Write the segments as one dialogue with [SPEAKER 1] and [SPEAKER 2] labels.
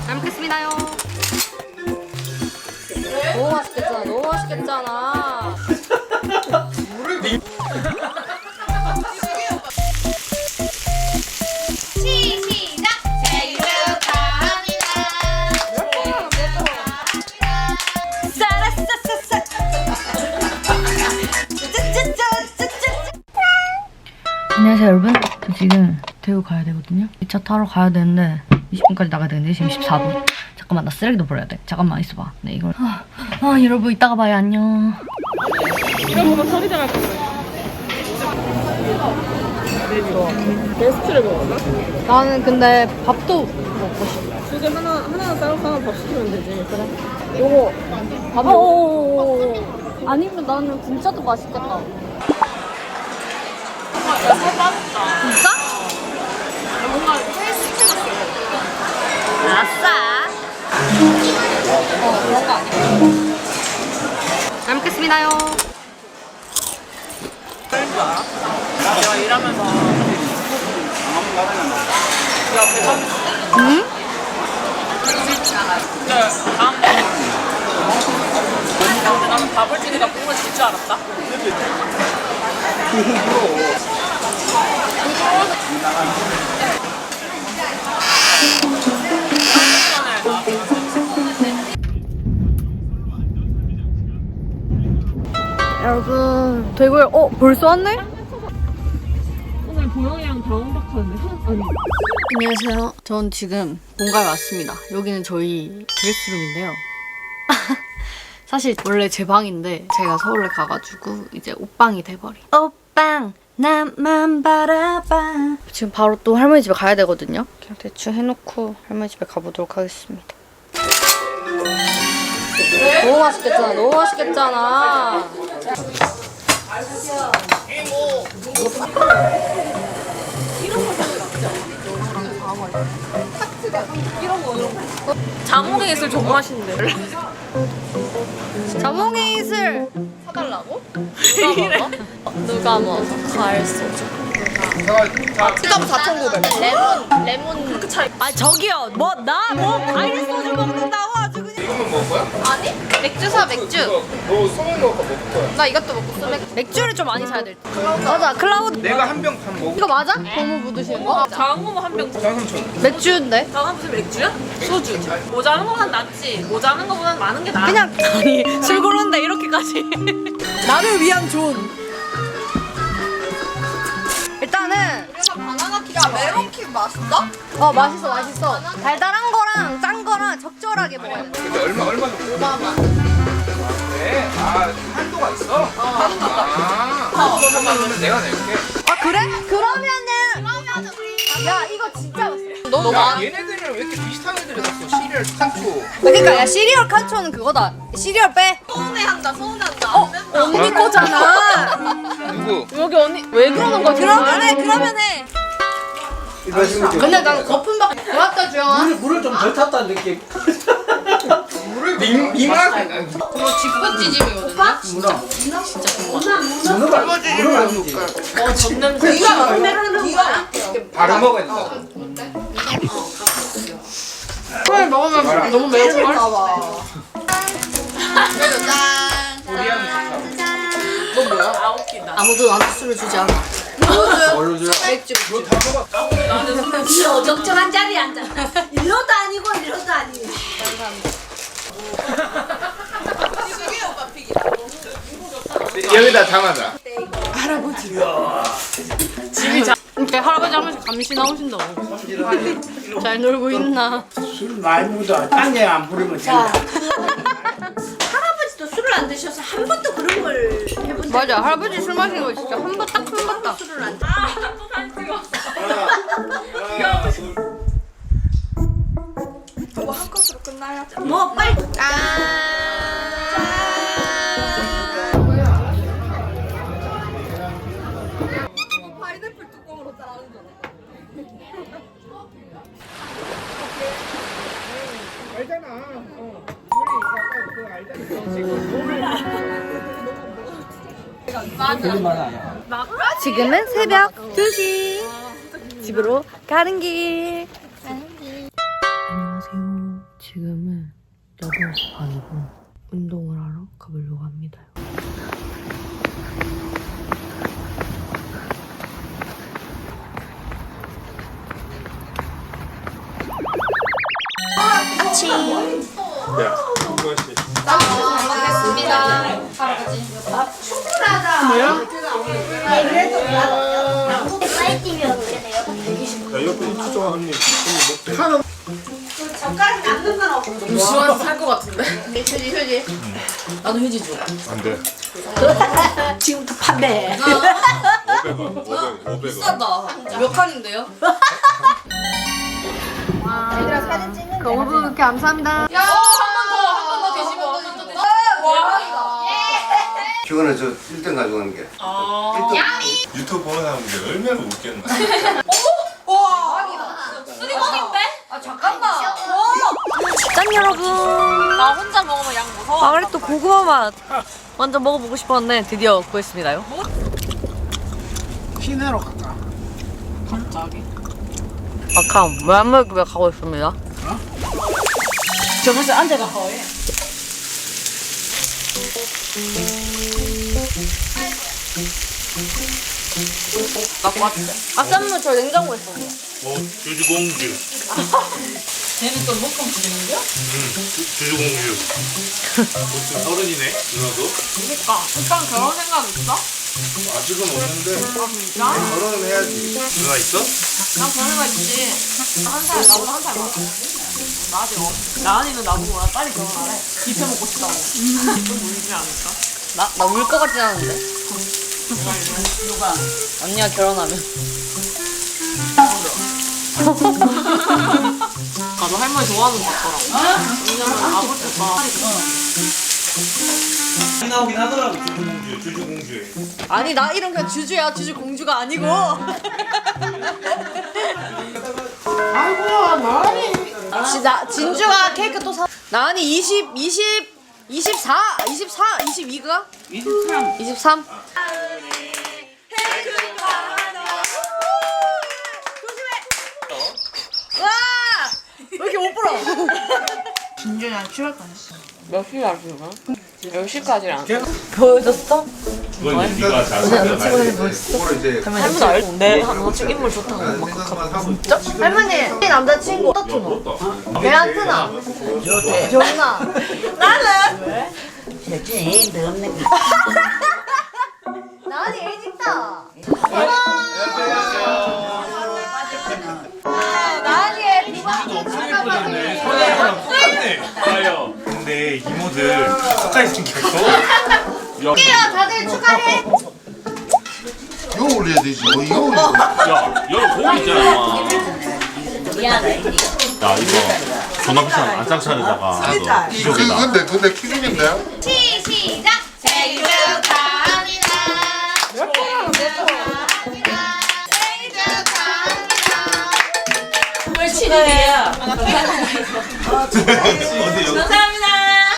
[SPEAKER 1] 잘 먹겠습니다요. 너무 맛있겠잖아. 너무 맛있겠잖아.
[SPEAKER 2] 시작! 생일 축하합니다.
[SPEAKER 1] 짜라짜짜짜. 안녕하세요 여러분. 저 지금 대구 가야 되거든요. 2차 타러 가야 되는데 20분까지 나가야 되는데 지금 14분. 잠깐만 나 쓰레기도 버려야 돼. 잠깐만 있어봐. 네 이걸 여러분 이따가 봐요. 안녕.
[SPEAKER 3] 이거 보면 소리 잘할 거예요. 베스트를 먹었나?
[SPEAKER 1] 나는 근데 밥도 먹고 싶어.
[SPEAKER 3] 두 개 하나 따로 하나 밥 시키면 되지. 그래.
[SPEAKER 1] 요거 봐봐. 아니면 나는 분짜도 맛있겠다.
[SPEAKER 3] 살 빠졌다.
[SPEAKER 1] 진짜?
[SPEAKER 3] 뭔가 헬스케졌어.
[SPEAKER 1] 아싸. 그런 거 아니야? 잘 먹겠습니다요.
[SPEAKER 3] 내가 일하면서 야 대박.
[SPEAKER 1] 응?
[SPEAKER 3] 진짜 다음에 나는 밥을 찌니까 국물 질 줄 알았다.
[SPEAKER 1] 여러분 대구에 벌써 왔네?
[SPEAKER 3] 오늘 보영이랑 다운박하는데 아니.
[SPEAKER 1] 안녕하세요. 전 지금 본가에 왔습니다. 여기는 저희 드레스룸인데요. 사실 원래 제 방인데 제가 서울에 가가지고 이제 옷방이 돼버린. 옷방 나만 바라봐. 지금 바로 또 할머니 집에 가야 되거든요. 그냥 대충 해놓고 할머니 집에 가보도록 하겠습니다. 너무 맛있겠잖아. 너무 맛있겠잖아.
[SPEAKER 3] 자몽의 이슬 정말 맛있는데.
[SPEAKER 1] 자몽의 이슬
[SPEAKER 3] 사달라고?
[SPEAKER 1] 누가 먹어? 과일 소주.
[SPEAKER 3] 티감 4,900.
[SPEAKER 2] 레몬.
[SPEAKER 3] 그렇게 차이.
[SPEAKER 1] 아 저기요 과일 소주 먹는다고 아주 그냥.
[SPEAKER 4] 이것만 먹을 거야?
[SPEAKER 2] 아니? 맥주 사, 맥주.
[SPEAKER 4] 너 소맥 먹을 거 먹을 거야?
[SPEAKER 2] 나 이것도 먹고 소맥.
[SPEAKER 1] 맥주를 좀 많이 사야 될 듯. 맞아 클라우드.
[SPEAKER 4] 내가 한 병 반 먹을
[SPEAKER 1] 이거 맞아? 고무 묻으시는 거?
[SPEAKER 3] 작은 거만 한 병.
[SPEAKER 4] 장삼천.
[SPEAKER 1] 맥주인데?
[SPEAKER 3] 작은 무슨 맥주야? 소주. 모자란 거보단 낫지. 모자란 거보단 많은 게 나아.
[SPEAKER 1] 그냥 아니 술 고르는데 이렇게까지. 나를 위한 존. 일단은
[SPEAKER 2] 바나나키가 메론킥 맛있어?
[SPEAKER 1] 맛있어. 달달한 거랑 짠 거랑 적절하게 먹어야 돼.
[SPEAKER 4] 근데 얼마 정도? 5만원. 그래? 한도가 있어? 그러면 내가 낼게.
[SPEAKER 1] 아 그래? 그러면은 야 이거 진짜 맛있어.
[SPEAKER 4] 야, 얘네들은 왜 이렇게 비슷한 애들이 났어? 시리얼 칸초.
[SPEAKER 1] 그러니까 야 시리얼 칸초는 그거다. 시리얼 빼.
[SPEAKER 2] 서운해한다.
[SPEAKER 1] 언니 거잖아.
[SPEAKER 4] 누구?
[SPEAKER 3] 여기 언니 왜 그러는 거야?
[SPEAKER 1] 그러면 해. 근데 난 거품밖에 고맙다 주영아.
[SPEAKER 5] 물을 좀 덜 탔다는 느낌.
[SPEAKER 4] 물을 밍밍하게.
[SPEAKER 2] 그거 집고 찌짐이거든요.
[SPEAKER 5] 문어가 아니지.
[SPEAKER 2] 네가 막내라는 거야?
[SPEAKER 4] 바로 먹어야 된다.
[SPEAKER 3] 술 먹으면 너무 매운 걸.
[SPEAKER 2] 짠.
[SPEAKER 4] 우리하고
[SPEAKER 2] 너 뭐야?
[SPEAKER 3] 아 웃기다.
[SPEAKER 1] 아무도 나한테 술을 주지 않아.
[SPEAKER 5] 뭘로 줘요?
[SPEAKER 2] 맥주.
[SPEAKER 4] 너다 먹었어?
[SPEAKER 2] 적정한 자리에 앉아. 일로도 아니고 이로도 아니고.
[SPEAKER 4] 여기다 담아자.
[SPEAKER 1] 이렇게 할아버지 한 번씩 감시 나오신다고. 잘 놀고 있나?
[SPEAKER 5] 술 많이 먹어도 딴데 안 부르면 된다.
[SPEAKER 2] 할아버지도 술을 안 드셔서 한 번도 그런 걸 해본 적
[SPEAKER 1] 맞아 할아버지 술 마시는 거 진짜 한 번 딱.
[SPEAKER 2] 술을 안 뭐 빨리 파인애플 뚜껑으로 따라하는 거네.
[SPEAKER 4] 알잖아. 우리 이거 그거 알잖아.
[SPEAKER 1] 지금은 새벽 2시. 집으로 가는 길. 안녕하세요. 지금은 8시 반이고 운동을 하러 가보려고 합니다.
[SPEAKER 2] 젓가락 남는 건 없어.
[SPEAKER 3] 시원해서 살것 같은데? 휴지. 나도 휴지 줘.
[SPEAKER 6] 안 돼.
[SPEAKER 2] 지금부터 판매.
[SPEAKER 6] 500원, 500원.
[SPEAKER 3] 비싸다. 몇 칸인데요?
[SPEAKER 1] 너무 감사합니다.
[SPEAKER 3] 야, 한 번 더 되시고, 한 번 더 되시고. 와.
[SPEAKER 7] 최근에 저 1등 가져가는 게.
[SPEAKER 6] 유튜브 보는 사람들 얼마나 웃겠나.
[SPEAKER 3] 쓰리건인데? 아, 잠깐만.
[SPEAKER 1] 짠 여러분.
[SPEAKER 3] 나 혼자 먹으면 양 무서워.
[SPEAKER 1] 아 그래 또 고구마 맛 완전 먹어보고 싶었는데 드디어 구했습니다요.
[SPEAKER 5] 시내로 갈까?
[SPEAKER 3] 갑자기?
[SPEAKER 1] 아캄 외환물급에 가고 있습니다.
[SPEAKER 2] 저번에 앉아가 허해.
[SPEAKER 3] 갖고 왔대.
[SPEAKER 1] 아쌈물 저 냉장고에 있어.
[SPEAKER 6] 주주공주.
[SPEAKER 3] 쟤는 또 목금 부리는데요?
[SPEAKER 6] 주주공주. 지금 30이네, 누나도.
[SPEAKER 3] 그니까. 오빠는 결혼 생각 있어?
[SPEAKER 6] 아직은 없는데.
[SPEAKER 3] 아, 진짜?
[SPEAKER 6] 결혼은 해야지. 누나 있어?
[SPEAKER 3] 난 결혼 생각 있지. 나보다 한 살 많아. 나 아직 없어. 나은이는 나보고 나 빨리 결혼하래. 뷔페 먹고 싶다고. 좀 울지 않을까?
[SPEAKER 1] 나 울 것 같진 않은데.
[SPEAKER 3] 누가?
[SPEAKER 1] 언니가 결혼하면.
[SPEAKER 3] 나도 할머니 좋아하는 것 같더라고. 왜냐면 아버지 오빠
[SPEAKER 5] 나오긴 하더라고.
[SPEAKER 6] 주주공주, 주주공주에.
[SPEAKER 1] 아니 나 이름 그냥 주주야. 주주 공주가 아니고.
[SPEAKER 5] 아이고야, 나리.
[SPEAKER 1] 진주가 케이크 또 사. 나은이 24, 22가?
[SPEAKER 5] 23.
[SPEAKER 1] 23? 와! 왜 이렇게 못 불어?
[SPEAKER 2] 진주야 취할 거야.
[SPEAKER 3] 몇 시야 지금? 10시까지랑
[SPEAKER 1] 보여줬어?
[SPEAKER 6] 그건 이제 네가 잘 살펴놔야 돼.
[SPEAKER 7] 그거를 이제
[SPEAKER 3] 할머니 알고 내 남자친구 인물 좋다고 막
[SPEAKER 7] 생각만 하고 있고.
[SPEAKER 1] 할머니, 남자친구 어떻노? 걔한테나? 좋나? 나는?
[SPEAKER 2] 대체 너 없는 거.
[SPEAKER 1] 나은이 애짓다. 나은이의
[SPEAKER 6] 아요. 근데 이모들 가까이 생겼어.
[SPEAKER 1] 비바 다들 축하해.
[SPEAKER 7] 이거 올려야 되지. 뭐 이거 올려.
[SPEAKER 6] 야, 여기 고기 있잖아.
[SPEAKER 2] 미안해.
[SPEAKER 6] 야, 이거 존나 비싼 안장차에다가 기적이다.
[SPEAKER 7] 근데 키즈인데?
[SPEAKER 1] 시작. 생일 축하합니다.
[SPEAKER 3] 멸치들이야.
[SPEAKER 6] 어디 여기
[SPEAKER 3] 감사합니다.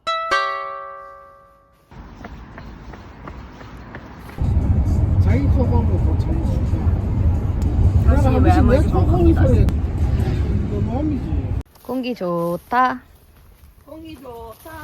[SPEAKER 5] 자기 커버하고 뭐 자기 수가. 내가 한 번씩 내 커버니 소리. 너 몸이지.
[SPEAKER 1] 공기 좋다.
[SPEAKER 3] 공기 좋다.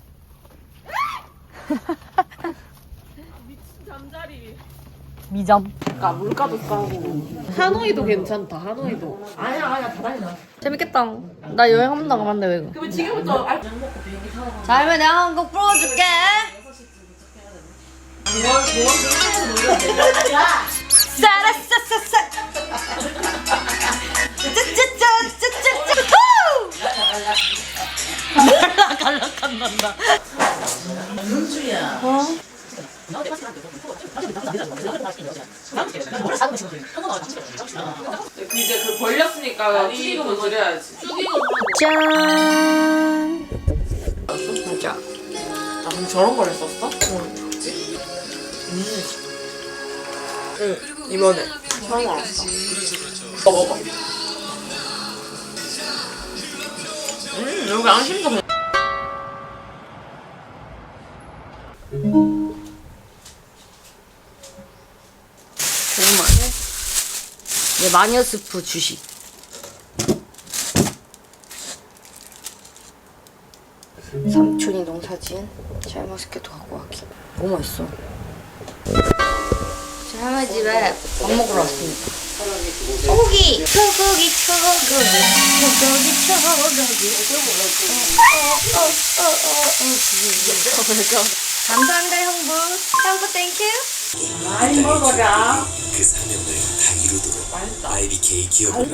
[SPEAKER 3] 미친 잠자리.
[SPEAKER 1] 미점.
[SPEAKER 3] 물가도 싸고. 하노이도 괜찮다. 하노이도. 아니야 다 다니다.
[SPEAKER 1] 재밌겠다. 나 여행 한 번도 안 가봤는데 왜?
[SPEAKER 3] 그러면 지금부터
[SPEAKER 1] 자, 할머니 내가 한 곡 불러줄게. 싸라싸싸싸. 짜짜짜짜짜짜. 갈락한단다.
[SPEAKER 3] 이제 그 벌렸으니까 축의금을 드려야지. 축의금.
[SPEAKER 1] 짠.
[SPEAKER 3] 진짜. 아 그럼 저런 걸 했었어? 응. 이번에 처음 알았어. 먹어봐. 여기 안심도 괜
[SPEAKER 1] 고구마를 마녀 스프 주식. 삼촌이 농사지은 샤인머스켓도 갖고 왔기. 너무 맛있어. 저 할머니 집에 밥 먹으러 왔습니다. 소고기! 소고기, 소고기, 소고기, 소고기. 감사합니다, 형부. 형부, 땡큐.
[SPEAKER 2] 많이 먹어라.
[SPEAKER 8] 그 사명을 다 이루도록 IBK 기업을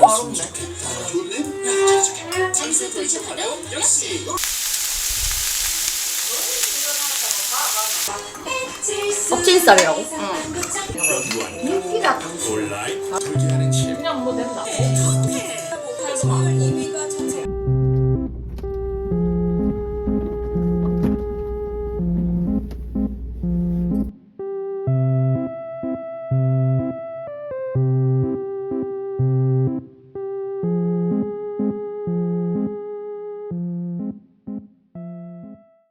[SPEAKER 1] 껍질살이라고?
[SPEAKER 8] 온라인 돌기하는 침
[SPEAKER 3] 그냥 뭐 된다.